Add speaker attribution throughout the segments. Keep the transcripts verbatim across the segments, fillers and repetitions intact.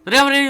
Speaker 1: เรื่องนี้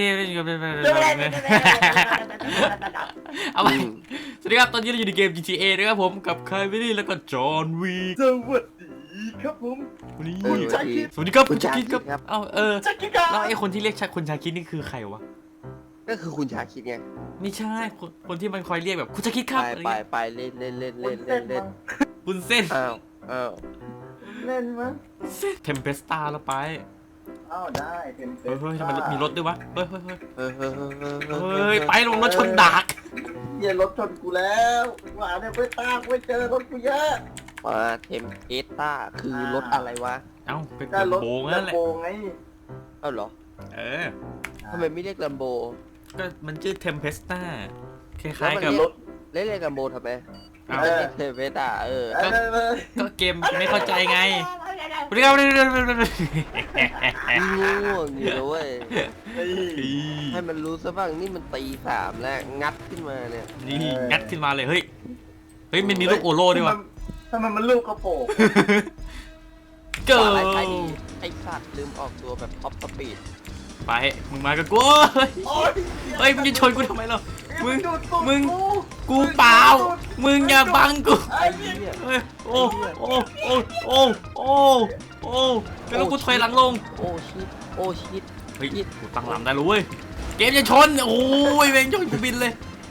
Speaker 1: เอาไปสวัสดีครับตอนนี้เราอยู่ในเกม จี ที เอ นะครับผมกับคายวิลลี่แล้วก็จอห์นวี
Speaker 2: สวัสดีครับผม
Speaker 1: วันนี้
Speaker 2: คุณชาคิด
Speaker 1: สวัสดีครับคุณชาคิดครับเอ้าเออ
Speaker 2: ชาคิดครับ
Speaker 1: แล้วไอ้คนที่เรียกคุณชาคิดนี่คือใครวะ
Speaker 3: ก็คือคุณชาคิดไง
Speaker 1: ไม่ใช่คนคนที่มันคอยเรียกแบบคุณชาคิดครับ
Speaker 3: ไปไปไปเล่นเล่นเล่นเล่นเล่นเล่น
Speaker 1: คุณเส้น
Speaker 3: อ้าวอ้าว
Speaker 2: เล่นมั้ง
Speaker 1: เทมเพสตาแล้วไป
Speaker 2: อ้าวได้เต็มเต็
Speaker 1: เฮ้ยเฮ้ยทำไมมีรถด้วยวะเฮ้ยเฮ้ยเฮ้ย
Speaker 3: เฮ้ยเฮ้ยเฮ้ย
Speaker 1: เฮ้ยไปลงรถชนดัก
Speaker 2: เหี้ยรถชนกูแล้วหวานเนี่ยไม่ตามไม่เจอรถกูเยอะ
Speaker 3: มาเทมเพสต้าคือรถอะไรวะ
Speaker 1: เอ้าเป็น
Speaker 2: ก็รถ
Speaker 1: โบงนั่นแหละ
Speaker 2: โบงไง
Speaker 3: เอ้าเหรอ
Speaker 1: เออ
Speaker 3: ทำไมไม่เรียกลัมโบ
Speaker 1: ก็มันชื่อเทมเพสตาคล้ายๆกับ
Speaker 3: รถเรียกเรียกลัมโบทำไม
Speaker 1: เอ้า
Speaker 3: เทมเพสต้าเออ
Speaker 2: เออเออ
Speaker 1: ก็เกมไม่เข้าใจไงเรียกเรียกเรียกเรียกเรียก
Speaker 3: ง่วงอยู่เลยเว้ย
Speaker 2: เฮ้ย
Speaker 3: ให้มันรู้ซะบ้างนี่มันตีสามแล้วงัดขึ้นมาเนี่ย
Speaker 1: นี่งัดขึ้นมาเลยเฮ้ยเฮ้ยมันมีลูกโอโล่ด้วยวะ
Speaker 2: ทำไมมันลูกกระโปง
Speaker 1: เกิด
Speaker 3: อะไรใครดีไอสัตว์ลืมออกตัวแบบท็อปสปีด
Speaker 1: ไปมึงมากับกูเฮ้ย
Speaker 2: โอ๊ย
Speaker 1: เฮ้ยมึงจะชนกูทำไมล่ะมึง
Speaker 2: ดูดตูด
Speaker 1: มึง
Speaker 2: กู
Speaker 1: กูเปล่ามึงอย่าบังกู
Speaker 2: ไอ้เหี้ย
Speaker 1: เฮ้ยโอ้โอ้โอ้โอ้โอ้โอ้แล้วกูถอยหลังลง
Speaker 3: โอ้ชิดโอ้ชิด
Speaker 1: เฮ้ยกูตั้งลำได้รู้เว้ยเกมจะชนโอ้ยเวงชนกูบินเลย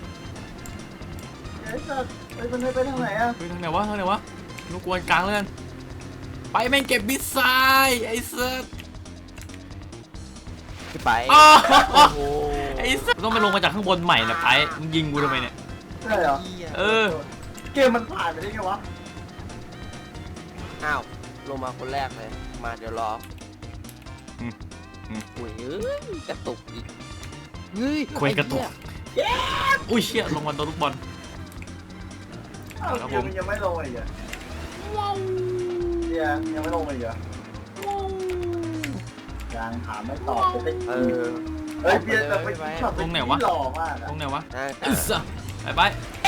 Speaker 2: ไอ้สัสไปมันไปทางไหนอะ
Speaker 1: ไปทางไหนวะทางไหนวะลูกกวนกลางแล้วกันไปแม่งเก็บมิสไซล์ไอ้เซิร์ฟ
Speaker 3: ไป
Speaker 1: อ้าว
Speaker 3: โอ้โห
Speaker 1: ไอ้เซิร์ฟต้องไปลงมาจากข้างบนใหม่นะไปมึงยิงกูทำไมเนี่ย
Speaker 2: ใช่เหรอ
Speaker 1: เออ
Speaker 2: เกมมันผ่านไปได้ไงวะ
Speaker 3: อ้าวลงมาคนแรกเลยมาเดี๋ยวรอ
Speaker 1: อืมอืม
Speaker 3: อุ้ยเอ้ยกระตุกอีกเฮ้ย
Speaker 1: คุยกระตุก
Speaker 3: ไอ้เหี้ย
Speaker 1: อุ้ยเชี่ยลงมาโดนลูกบอล
Speaker 2: อ้าว
Speaker 1: ครับ
Speaker 2: เก
Speaker 1: ผม ม
Speaker 2: มันยังไม่ลงอีกเหรอเดี๋ยวยังไม่ลงอีกเหรอยังถามไม่ตอบจะได้
Speaker 3: เออ
Speaker 2: เฮ้ยเบียร์แต่ไปช็อตไปที่หล่อมากอะ
Speaker 1: ตรงไหนวะ
Speaker 3: นะ
Speaker 1: ไอ้สัสไปไป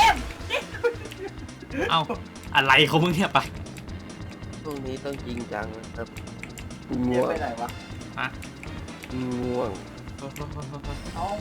Speaker 1: เอ้าอะไรเขามึงเนี่ยไป
Speaker 3: ช่วงนี้ต้องจริงจังนะครับ
Speaker 2: เบีย
Speaker 3: ง่
Speaker 2: ร์
Speaker 3: ว
Speaker 2: ไป
Speaker 3: ง
Speaker 2: ไหนวะ
Speaker 3: ง่วง
Speaker 2: เอ้า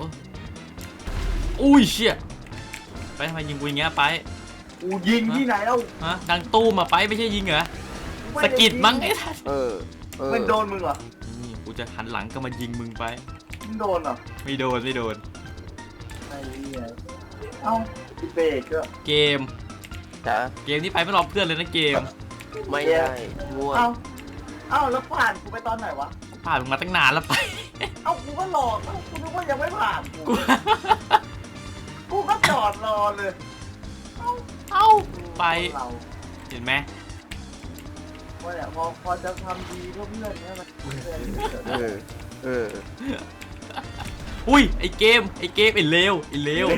Speaker 1: อุ้ยเชี่ยไปทำไมยิงกูอย่างเงี้ยไป
Speaker 2: กูยิงที่ไหนเอ้า
Speaker 1: ฮะดังตู้มาไปไม่ใช่ยิงเหรอสะกิดมั้งไอ้ท่าน
Speaker 3: เออเออ
Speaker 2: มันโดนมึงเหรอ
Speaker 1: นี่กูจะหันหลังก็มายิงมึงไป
Speaker 2: มึงโดนเหรอ
Speaker 1: ไม่โดนไม่โดน
Speaker 2: ไอ้เหี้ยเอ้าเบรกก็
Speaker 1: เกม
Speaker 3: จ้ะ
Speaker 1: เกมนี้ไปไม่รอเพื่อนเลยนะเกม
Speaker 3: ไม่ได้ง่วง
Speaker 2: เอ้าเอ้าแล้วผ่านกูไปตอนไหนวะ
Speaker 1: ผ่านมึงมาตั้งนานแล้วไป
Speaker 2: เอ้ากูก็รอเอ้ากูนึกว่ายังไม่ผ่านกู
Speaker 1: กู
Speaker 2: กูก็จอดรอเลย
Speaker 1: เอ้าไป
Speaker 2: เรา
Speaker 1: เห็นไหม
Speaker 2: ว่าเนี่ยพอพอจะทำดีก็เพื่อนเนี่ยมันเพื่อน
Speaker 3: เออเออ
Speaker 1: อุ้ยไอเกมไอเกมไอเลวไอเลว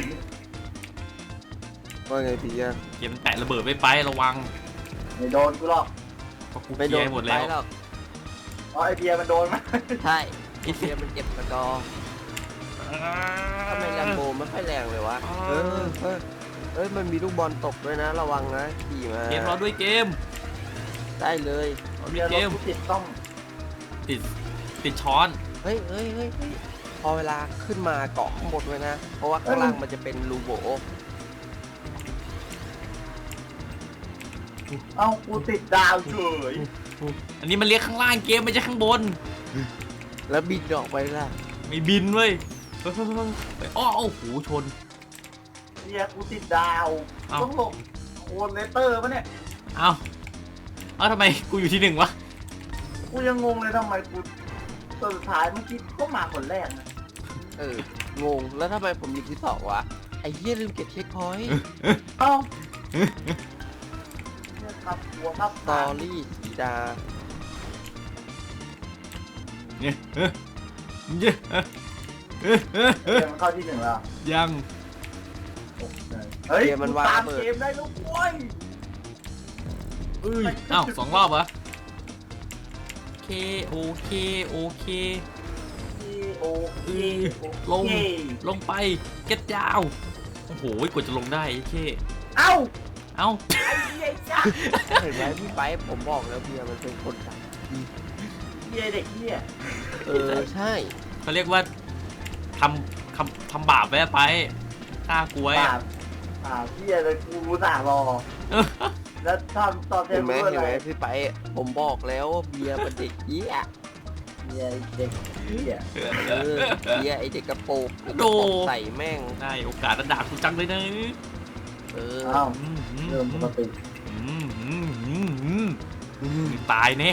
Speaker 3: ว่าไงพี่อ่ะ
Speaker 1: เกมมันแตะระเบิดไม่ไประวัง
Speaker 2: ไม่โดนกูหรอก
Speaker 1: เพราะกู
Speaker 3: ไม่
Speaker 1: เค
Speaker 3: โด
Speaker 1: ลีย
Speaker 3: น
Speaker 1: ร์หมดแล้ว
Speaker 3: ไปหรอก
Speaker 2: เพราะไอเบียร์มันโดนมั้ย
Speaker 3: ใช่ไอเสียมันเก็บสกอร์ทำไมแลมโบไม่ค่อยแรงเลยวะเออเออเอ้ยมันมีลูกบอลตกด้วยนะระวังนะขี่มา
Speaker 1: เกมรอด้วยเกม
Speaker 3: ได้เลย
Speaker 1: รอด้
Speaker 2: เบี
Speaker 1: วย ย
Speaker 2: ร์
Speaker 1: เก
Speaker 2: รถ
Speaker 1: ม
Speaker 2: กูติดต้อง
Speaker 1: ติดติดช้อน
Speaker 3: เฮ้ยเฮ้ยเฮ้ยเฮ้ยพอเวลาขึ้นมาเกาะข้างบนไว้นะเพราะว่าข้างล่างมันจะเป็นรูโบ
Speaker 2: เอ้ากูติดดาวเฉย
Speaker 1: อันนี้มันเรียกข้างล่างเกมไม่ใช่ข้างบน
Speaker 3: แล้วบินออกไปล่ะ
Speaker 1: ไม่บินเว้ยเฮ้ยเฮ้ยเฮ้ยไปอ้อโอ้โหชน
Speaker 2: เบียร์กูติดดาว
Speaker 1: เอ้า
Speaker 2: ต้องหลบโคนเลเตอร์ปะเนี่ย
Speaker 1: เอ้าเอ้าทำไมกูอยู่ที่หนึ่งวะ
Speaker 2: กูยังงงเลยทำไมกูตัวสุดท้ายเมื่อกี้ก็มาคนแรกนะ
Speaker 3: เอองงแล้วทำไมผมอยู่ที่สองวะไอ้เหี้ยลืมเก็บเช็คพอยต์
Speaker 2: เอ้าเนี่ยครับหัวครับ
Speaker 3: สตอรี่สีดา
Speaker 1: เนี่ยเฮ้ยเนี่ยเฮ้ยเฮ้ยเฮ้ย
Speaker 2: เกมมันเข้าที่หนึ่งแล้ว
Speaker 1: ยัง
Speaker 2: เฮ้ย
Speaker 3: เกมมันวาง
Speaker 2: ตาม
Speaker 3: ระเบิด
Speaker 2: เกมได้ลูกโว้ย
Speaker 1: เอ้ยเอ้าสองรอบเหรอโอเคโอเคโอเค
Speaker 2: โอเค
Speaker 1: ลง ลงไปเก็ตยาวโอ้โหกว่าจะลงได้ไอ้เท่
Speaker 2: เอ้า
Speaker 1: เอ้า
Speaker 2: ไอ้เหี้ยจ้า
Speaker 3: เห็นไหมพี่ไปผมบอกแล้วเบียร์มันเป็นคนดัง
Speaker 2: เหี้ยเด็กเหี้ย
Speaker 3: เออใช่
Speaker 1: เขาเรียกว่าทำทำทำบาปไว้ไปฆ่ากูไว้
Speaker 2: ป่า
Speaker 1: อะ
Speaker 2: ป่าพี่อะไรกูรู้สารอแล้วทำตอนเท
Speaker 3: เห็น
Speaker 2: ม
Speaker 3: ไหม
Speaker 2: เพื่อ
Speaker 3: เห็น
Speaker 2: อะไร
Speaker 3: ไหมพี่ไปผมบอกแล้วว่าเบียร์เป็นเด็กเหี้ย
Speaker 2: เนี่ยเด็กเนี่ย
Speaker 3: เออเบียร์ไอเด็กกระโปรงไอ้ก
Speaker 1: โด
Speaker 3: ระโปรงใส่แม่ง
Speaker 1: ได้โอกาสระดับกูจังเลยนะ
Speaker 3: เออ
Speaker 2: อ้าว
Speaker 1: อืมอืม
Speaker 2: เริ่มปกติ
Speaker 1: อืมอืมอืมอืมอืมตายแน่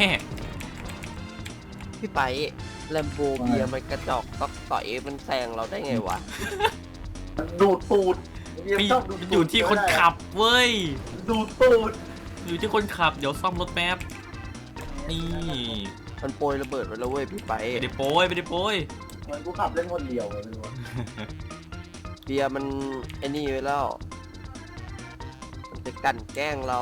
Speaker 3: พี่ไปแลมโบเบียร์มันกระจอกก็ต่อยมันแซงเราได้ไงวะ
Speaker 2: ดูดตูด
Speaker 1: พี่
Speaker 2: ชอบดูด
Speaker 1: มัน
Speaker 2: ตูด
Speaker 1: อยู่ที่คนขับเว้ย
Speaker 2: ดูดตูด
Speaker 1: อยู่ที่คนขับ เดี๋ยวซ่อมรถแป๊บ นี่
Speaker 3: มันโปรยระเบิดไปแล้วเว้ยพี่ไป
Speaker 1: ไม่ได้โป้ยไม่ได้โป้ย
Speaker 2: เหมันกูขับเล่นคนเดียวเลยไม่รู้
Speaker 3: เบียร์มันไอ้นี่ไว้แล้ว มันจะกลั่นแกล้งเรา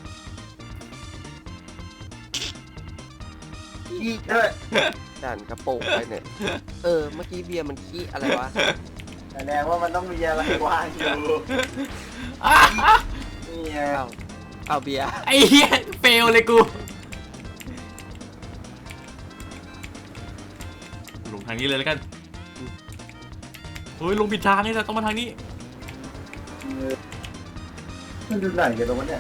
Speaker 2: อีกด้วย
Speaker 3: ด่านกระโปรงไปเนี่ย เออ เมื่อกี้เบียร์มันขี้อะไรวะ
Speaker 2: แสดงว่ามันต้องมีอะไรว่างอยู่
Speaker 1: อ่ะอ่ะ
Speaker 2: นี่ไง
Speaker 3: เอาเอาเบียร์
Speaker 1: ไอ้เหี้ยเฟลเลยกู ลงทางนี้เลยแล้วกันเฮ้ยลงผิดทางนี่แหละต้องมาทางนี้
Speaker 2: มันดูไหนกันตรงนี้เนี่ย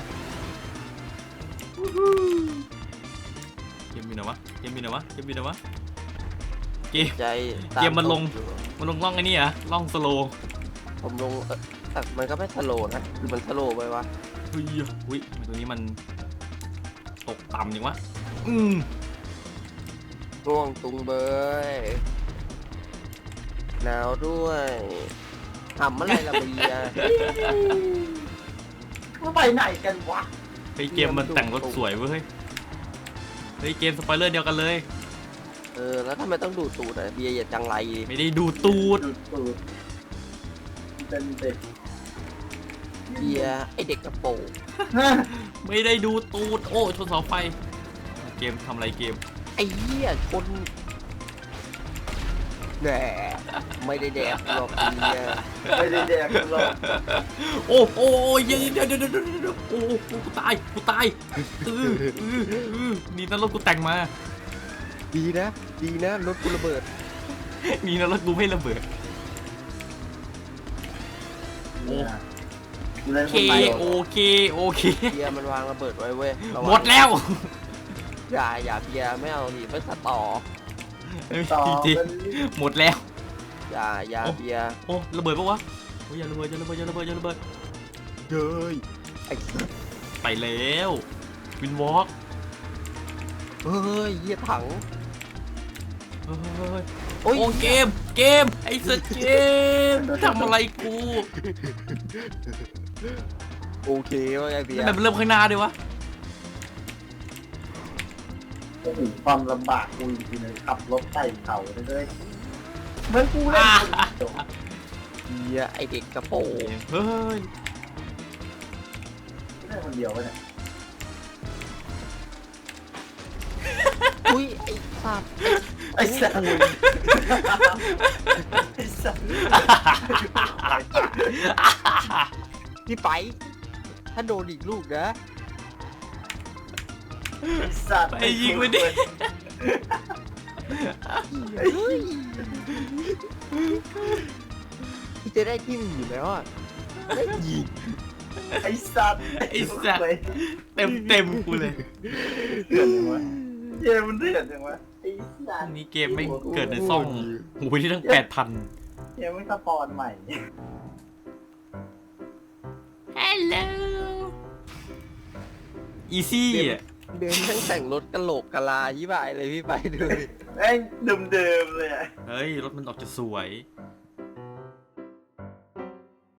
Speaker 1: เกมมีไหนวะ เกมมีไหนวะ เกมมีไหนวะ เกม
Speaker 3: ใจ
Speaker 1: เกียร์มันลง
Speaker 3: อยู่
Speaker 1: มันลงล่องไอ้นี่เหรอะล่องสโลว์
Speaker 3: ผมลงเออแต่มันก็ไม่สโลว์นะคือมันสโลว์ไปวะ
Speaker 1: เฮ้ยอุ้ยตัวนี้มันตกต่ำอย่างวะ อืม
Speaker 3: ง่วงตุงเบยหนาวด้วยทำอะไรละเบียร์
Speaker 2: มันไปไหนกันวะ
Speaker 1: เฮ้ยเกมมันแต่งรถสวยเว้ย เฮ้ยเกมสปอยเลอร์เดียวกันเลย
Speaker 3: เออ แล้วทำไมต้องดูดตูดอ่ะเบียร์อย่าจังไร
Speaker 1: ไม่ได้ดูตูด
Speaker 2: ดูดตูดเป็นเด็ก
Speaker 3: เบียร์ไอเด็กกระโปรง
Speaker 1: ไม่ได้ดูตูด โอ้ชนเสาไฟ เกมทำอะไรเกม
Speaker 3: ไอ้เหี้ยคนแหน่ไม่ได้แดกหรอกเบียร์
Speaker 2: ไม่ได้แดกกันหรอก
Speaker 1: โอ้โอ้เดี๋ยวเดี๋ยวเดี๋ยวเดี๋ยวเดี๋ยวโอ้กูตายกูตายเออเออเออนี่นั่นรถกูแต่งมา
Speaker 3: ดีนะ ดีนะรถกูระเบิด
Speaker 1: นี่นั่นรถกูไม่ระเบิด โอ้
Speaker 2: เล่น
Speaker 1: โอ
Speaker 2: ค
Speaker 1: เคน
Speaker 2: ไป
Speaker 1: โอเคโอเค
Speaker 3: เบียร์มันวางระเบิดไว้เว้ยระวัง
Speaker 1: หมดแล้ว
Speaker 3: อย่าอย่าเบียร์ไม่เอาดิไม่สต่อ
Speaker 2: ต่อ
Speaker 1: จริง
Speaker 2: เป็น
Speaker 1: ๆหมดแล้ว
Speaker 3: อย่าอย่าเบียร์
Speaker 1: โอ้ระเบิดปะวะโอ้ยอย่าระเบิดอย่าระเบิดอย่าระเบิดอย่าระเบิด
Speaker 3: เย้ยไอ้
Speaker 1: ไปแล้ววินวอล์ก
Speaker 3: เฮ้ยเหี้ยถัง
Speaker 1: เฮ้ย
Speaker 3: โอ้ย
Speaker 1: โอ้เกมเกมไอ้สัตว์เกมทำอะไรกู
Speaker 3: โอเคว่าไงเบีย
Speaker 1: ทำ
Speaker 3: ร์
Speaker 1: ไมมันเริ่มข้างหน้าด้วยวะ
Speaker 2: โอ้โหความลำบากกูจริงๆเลยขับรถไต่เขาเลยเลยเหมือนกูเล่นคนเดียว
Speaker 3: เบียร์ไอเด็กกระโปรง
Speaker 1: เฮ้ย
Speaker 2: เล่นคนเดียววะเนี่ย
Speaker 3: อุ้ยไอ้สัตว์
Speaker 2: ไอ้สัสไอ้สัส
Speaker 3: พี่ไป ถ้าโดนอีกลูกนะ
Speaker 2: ไอ้สัส
Speaker 1: ไปยิงไปดิ
Speaker 3: เฮ้ยพี่จะได้ที่หนึ่งอยู่แล้วอ่ะได้ยิง
Speaker 2: ไอ้สัส
Speaker 1: ไอ้สัตว์เต็มเต็มกูเลย
Speaker 2: เดือดจังวะเกมมันเดือดจังวะไอ้สัส
Speaker 1: นี่เกมไม่เกิดในซ่องโอ้ยที่ตั้งแปดพัน
Speaker 2: เกมไม่สปอนใหม่
Speaker 1: ฮัลโหลอีซี่อ่ะ
Speaker 3: เดินทั้งแต่งรถกะโหลกกะลายี่บายเลยพี่ไปดูดิ
Speaker 2: แม่งเดิมๆเลยอะ
Speaker 1: เฮ้ย รถมันออกจะสวย
Speaker 2: เ